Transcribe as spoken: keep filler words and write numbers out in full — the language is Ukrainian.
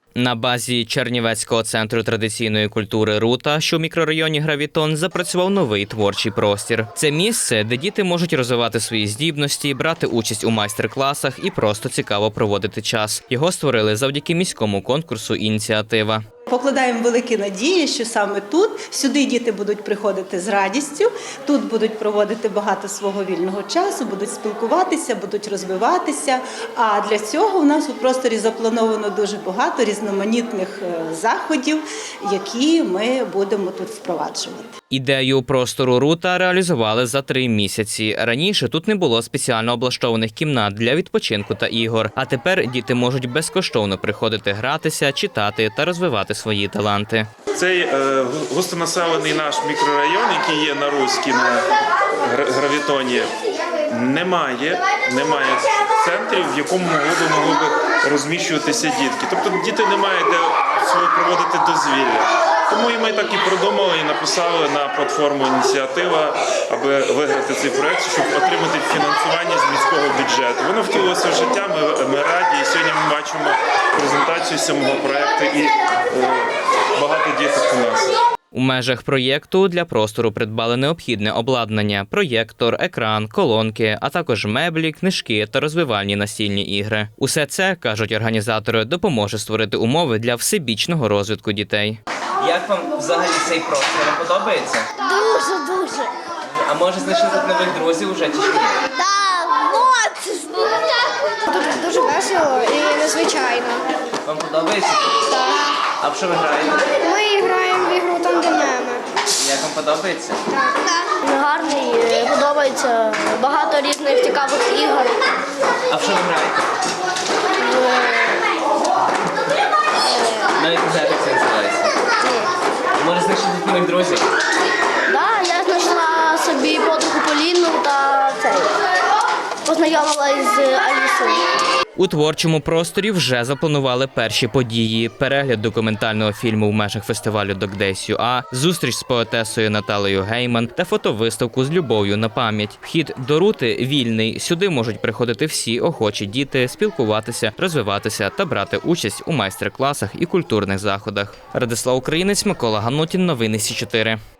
На базі Чернівецького центру традиційної культури «Рута», що в мікрорайоні Гравітон, запрацював новий творчий простір. Це місце, де діти можуть розвивати свої здібності, брати участь у майстер-класах і просто цікаво проводити час. Його створили завдяки міському конкурсу «Ініціатива». Покладаємо великі надії, що саме тут, сюди діти будуть приходити з радістю, тут будуть проводити багато свого вільного часу, будуть спілкуватися, будуть розвиватися. А для цього у нас у просторі заплановано дуже багато різноманітних заходів, які ми будемо тут впроваджувати. Ідею простору «Рута» реалізували за три місяці. Раніше тут не було спеціально облаштованих кімнат для відпочинку та ігор, а тепер діти можуть безкоштовно приходити гратися, читати та розвивати свої таланти. Цей е, густонаселений наш мікрорайон, який є на Руській, на Гравітоні, немає, немає центрів, в якому могли б, могли б розміщуватися дітки. Тобто діти не мають де своє проводити дозвілля. Тому і ми так і продумали і написали на платформу «Ініціатива», аби виграти цей проєкт, щоб отримати фінансування з міського бюджету. Воно втілилося в життя, ми, ми раді. І сьогодні ми бачимо презентацію самого проєкту і е, багато діток у нас. У межах проєкту для простору придбали необхідне обладнання – проєктор, екран, колонки, а також меблі, книжки та розвивальні настільні ігри. Усе це, кажуть організатори, допоможе створити умови для всебічного розвитку дітей. Як вам взагалі цей простір? Вам подобається? Дуже-дуже. А може знайшли тут нових друзів уже чи ще ні? Так, моцно. Тут дуже весело і незвичайно. Вам подобається? Так. А в що ви граєте? Ми граємо в ігру тандемами. Як вам подобається? Так. Гарний, подобається. Багато різних цікавих ігор. А в що ви граєте? Навіть не знаєте, як це називається. Може знайшли тут нових друзів? Так, я знайшла собі подругу Поліну та цей. Познайомилась з Алісою. У творчому просторі вже запланували перші події: перегляд документального фільму в межах фестивалю «Док-Дейс ю а», зустріч з поетесою Наталею Гейман та фотовиставку з любов'ю на пам'ять. Вхід до «Рути» вільний. Сюди можуть приходити всі охочі діти, спілкуватися, розвиватися та брати участь у майстер-класах і культурних заходах. Радислав Українець, Микола Ганутін. Новини Сі чотири.